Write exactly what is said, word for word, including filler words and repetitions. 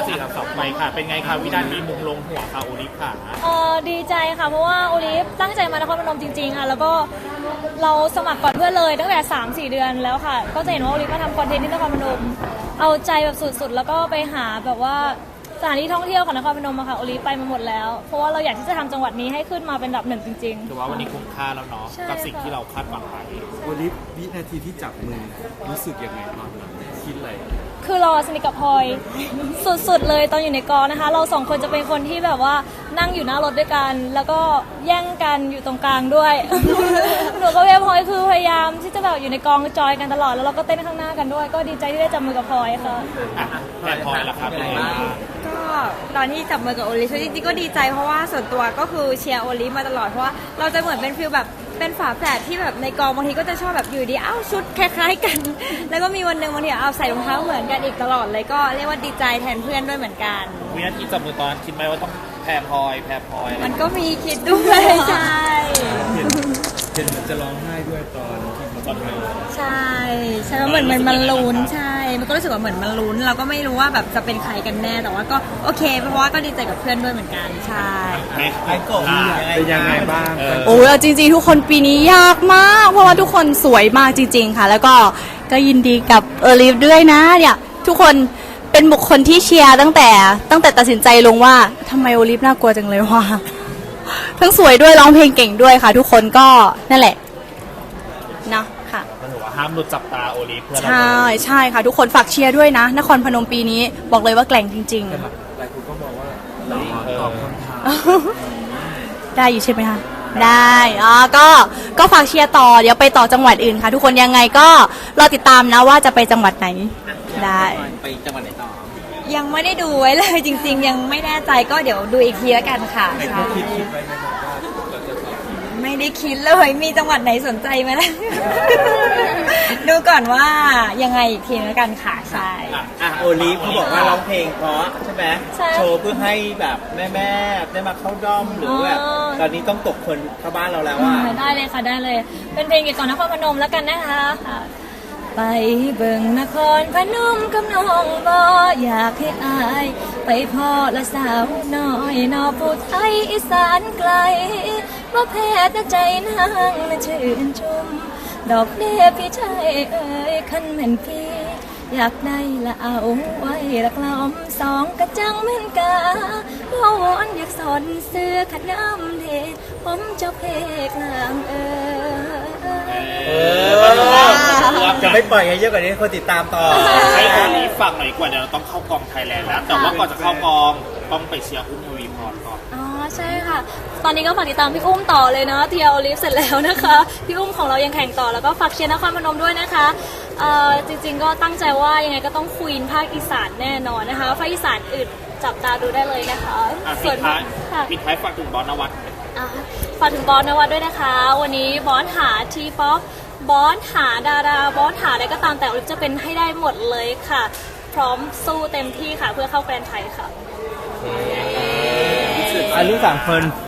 สี่กับสองไปค่ะเป็นไงคะวินาทีมุมลงหัวค่ะโอลิฟค่ะเออดีใจค่ะเพราะว่าโอลิฟตั้งใจมานครพนมจริงๆค่ะแล้วก็เราสมัครก่อนเพื่อนเลยตั้งแต่ สามสี่ เดือนแล้วค่ะก็จะเห็นว่าโอลิฟมาทำคอนเทนต์ที่นครพนมเอาใจแบบสุดๆแล้วก็ไปหาแบบว่าสถานที่ท่องเที่ยวของนครพนมอะค่ะโอลิฟไปมาหมดแล้วเพราะว่าเราอยากที่จะทำจังหวัดนี้ให้ขึ้นมาเป็นอันดับหนึ่งจริงๆถือว่าวันนี้คุ้มค่าแล้วเนาะกับสิ่งที่เราคาดหวังไว้โอลิฟวินาทีที่จับมือรู้สึกยังไงตอนนั้นคิดอะไรคือเราสนิทกับพลอยสุดๆเลยตอนอยู่ในกองนะคะเราสองคนจะเป็นคนที่แบบว่านั่งอยู่หน้ารถด้วยกันแล้วก็แย่งกันอยู่ตรงกลางด้วย หนูกับพี่พลอยคือพยายามที่จะแบบอยู่ในกองจอยกันตลอดแล้วเราก็เต้นข้างหน้ากันด้วยก็ดีใจที่ได้จับมือกับพลอยค่ะแม่พลอยล่ะครับเป็นไงบ้างก็ตอนที่จับมือกับโอลิฟจริงๆก็ดีใจเพราะว่าส่วนตัวก็คือเชียร์โอลิฟมาตลอดเพราะว่าเราจะเหมือนเป็นฟิลแบบเป็นฝาแฝดที่แบบในกองบางทีก็จะชอบแบบอยู่ดีอ้าวชุดคล้ายๆกัน แล้วก็มีวันหนึ่งบางทีเอาใส่รองเท้าเหมือนกันอีกตลอดเลยก็เรียกว่าดีใจแทนเพื่อนด้วยเหมือนกันวินาทีจับมือตอนนั้นคิดไหมว่าต้องแพรพลอยแพรพลอยมันก็มีคิดด้วยใช่เห็นเห็นมันจะร้องไห้ด้วยตอนที่เขาจับมือใช่ใช่เหมือนมันมันลุ้นใช่มันก็รู้สึกว่าเหมือนมันลุ้นเราก็ไม่รู้ว่าแบบจะเป็นใครกันแน่แต่ว่าก็โอเคเพราะว่าก็ดีใจกับเพื่อนด้วยเหมือนกันใช่ไอ้กบเป็นยังไงบ้างโอ้ยจริงๆทุกคนปีนี้ยากมากเพราะว่าทุกคนสวยมากจริงๆค่ะแล้วก็ก็ยินดีกับเออลิฟด้วยนะเนี่ยทุกคนเป็นบุคคลที่เชียร์ตั้งแต่ตั้งแต่ตัดสินใจลงว่าทำไมโอลิฟน่ากลัวจังเลยว่าทั้งสวยด้วยร้องเพลงเก่งด้วยค่ะทุกคนก็นั่นแหละเนาะค่ะมันถือว่าห้ามหลุดจับตาโอลิฟเพื่อนเราใช่ใช่ค่ะทุกคนฝากเชียร์ด้วยนะนครพนมปีนี้บอกเลยว่าแกร่งจริงๆหลายคนก็บอกว่าเราตอบคำถามได้อยู่ใช่ไหมคะได้อ๋อก็ก็ฝากเชียร์ต่อเดี๋ยวไปต่อจังหวัดอื่นค่ะทุกคนยังไงก็รอติดตามนะว่าจะไปจังหวัดไหนได้ไปจังหวัดไหนต่อยังไม่ได้ดูไว้เลยจริงๆยังไม่แน่ใจก็เดี๋ยวดูอีกทีแล้วกันค่ะใช่คิดคิดไว้ไหมว่าเราจะไม่ได้คิดเลยมีจังหวัดไหนสนใจไหมล่ะ ดูก่อนว่ายังไงอีกทีแล้วกันค่ะใช่อ่ะโอลิฟเขาบอกว่าร้องเพลงเพราะใช่ไหมโชว์เพื่อให้แบบแม่ๆได้มาเข้าด้อมหรือแบบตอนนี้ต้องตกคนเข้าบ้านเราแล้วว่าได้เลยค่ะได้เลยเป็นเพลงเกี่ยวกับนครพนมแล้วกันนะคะไปเบิ่งนครพนมกับน้องบ่อยากให้อายไปพ่อละสาวน้อยนอผู้ไทยอีสานไกลบ่แพ้แต่ใจนางน่ะชื่นชมดอกเดพี่ชายเอ่ยคันแม่นพี่อยากได้ละเอาไว้ละกล้อมสองกระจังเหมือนกาพ่อวอนอยากสอนเสื้อขัดน้ำเทผมเจ้าเพกลางเอ่ยจะไม่ปล่อยให้เยอะกว่านี้คนติดตามต่อให้โอลิฟฝากหน่อยกว่าเดี๋ยวเราต้องเข้ากองไทยแลนด์แล้วแต่ว่าก่อนจะเข้ากองต้องไปเชียร์อุ้มยูวีพรก่อนอ๋อใช่ค่ะตอนนี้ก็ฝากติดตามพี่อุ้มต่อเลยเนาะเทียโอลิฟเสร็จแล้วนะคะพี่อุ้มของเรายังแข่งต่อแล้วก็ฝากเชียร์นครพนมด้วยนะคะเอ่อจริงๆก็ตั้งใจว่ายังไงก็ต้องควีนภาคอีสานแน่นอนนะคะภาคอีสานอื่นจับตาดูได้เลยนะคะส่วนท้ายปิดท้ายฝากถึงบอสนวัตฝากถึงบอสนวัตด้วยนะคะวันนี้บอสหาทีป๊อปบอสหาดาราบอสหาอะไรก็ตามแต่โอลิฟจะเป็นให้ได้หมดเลยค่ะพร้อมสู้เต็มที่ค่ะเพื่อเข้าแกรนด์ไทยค่ะอายุสามคน